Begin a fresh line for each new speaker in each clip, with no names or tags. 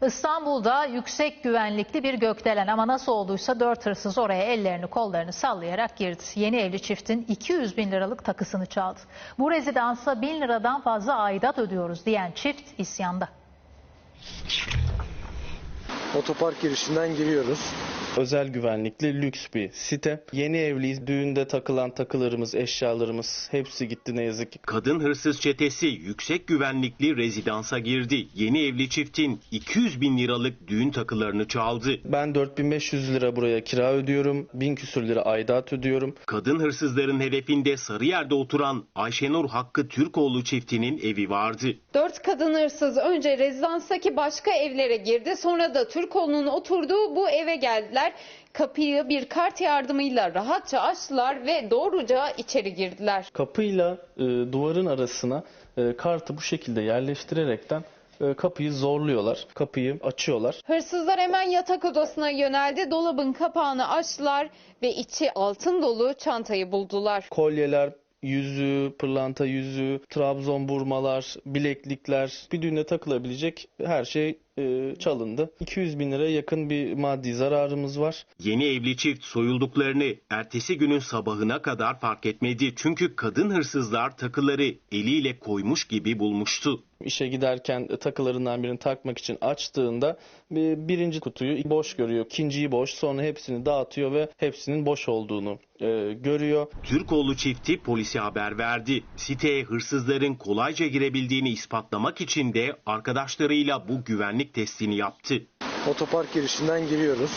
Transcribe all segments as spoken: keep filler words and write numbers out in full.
İstanbul'da yüksek güvenlikli bir gökdelen ama nasıl olduysa dört hırsız oraya ellerini kollarını sallayarak girdi. Yeni evli çiftin iki yüz bin liralık takısını çaldı. Bu rezidansa bin liradan fazla aidat ödüyoruz diyen çift isyanda.
Otopark girişinden giriyoruz.
Özel güvenlikli lüks bir site. Yeni evliyiz. Düğünde takılan takılarımız, eşyalarımız hepsi gitti ne yazık ki.
Kadın hırsız çetesi yüksek güvenlikli rezidansa girdi. Yeni evli çiftin iki yüz bin liralık düğün takılarını çaldı.
Ben dört bin beş yüz lira buraya kira ödüyorum. bin küsür lira aidat ödüyorum.
Kadın hırsızların hedefinde Sarıyer'de oturan Ayşenur Hakkı Türkoğlu çiftinin evi vardı.
Dört kadın hırsız önce rezidanstaki başka evlere girdi. Sonra da Türkoğlu'nun oturduğu bu eve geldiler. Kapıyı bir kart yardımıyla rahatça açtılar ve doğruca içeri girdiler.
Kapıyla e, duvarın arasına e, kartı bu şekilde yerleştirerekten e, kapıyı zorluyorlar. Kapıyı açıyorlar.
Hırsızlar hemen yatak odasına yöneldi. Dolabın kapağını açtılar ve içi altın dolu çantayı buldular.
Kolyeler, yüzüğü, pırlanta yüzüğü, Trabzon burmalar, bileklikler, bir düğüne takılabilecek her şey e, çalındı. iki yüz bin liraya yakın bir maddi zararımız var.
Yeni evli çift soyulduklarını ertesi günün sabahına kadar fark etmedi. Çünkü kadın hırsızlar takıları eliyle koymuş gibi bulmuştu.
İşe giderken takılarından birini takmak için açtığında birinci kutuyu boş görüyor, ikinciyi boş, sonra hepsini dağıtıyor ve hepsinin boş olduğunu e, görüyor.
Türkoğlu çifti polise haber verdi. Siteye hırsızların kolayca girebildiğini ispatlamak için de arkadaşlarıyla bu güvenlik testini yaptı.
Otopark girişinden giriyoruz.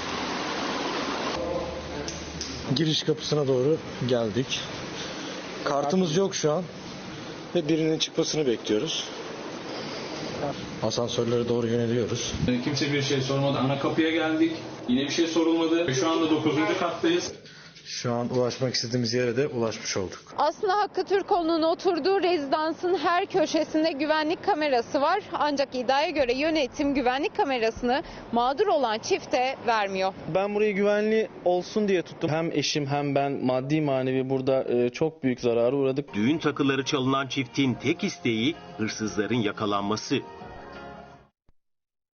Giriş kapısına doğru geldik. Kartımız yok şu an ve birinin çıkmasını bekliyoruz. Asansörlere doğru yöneliyoruz.
Kimse bir şey sormadı. Ana kapıya geldik. Yine bir şey sorulmadı. Şu anda dokuzuncu kattayız.
Şu an ulaşmak istediğimiz yere de ulaşmış olduk.
Aslında Hakkı Türkoğlu'nun oturduğu rezidansın her köşesinde güvenlik kamerası var. Ancak iddiaya göre yönetim güvenlik kamerasını mağdur olan çifte vermiyor.
Ben burayı güvenli olsun diye tuttum. Hem eşim hem ben maddi manevi burada e, çok büyük zarara uğradık.
Düğün takıları çalınan çiftin tek isteği hırsızların yakalanması.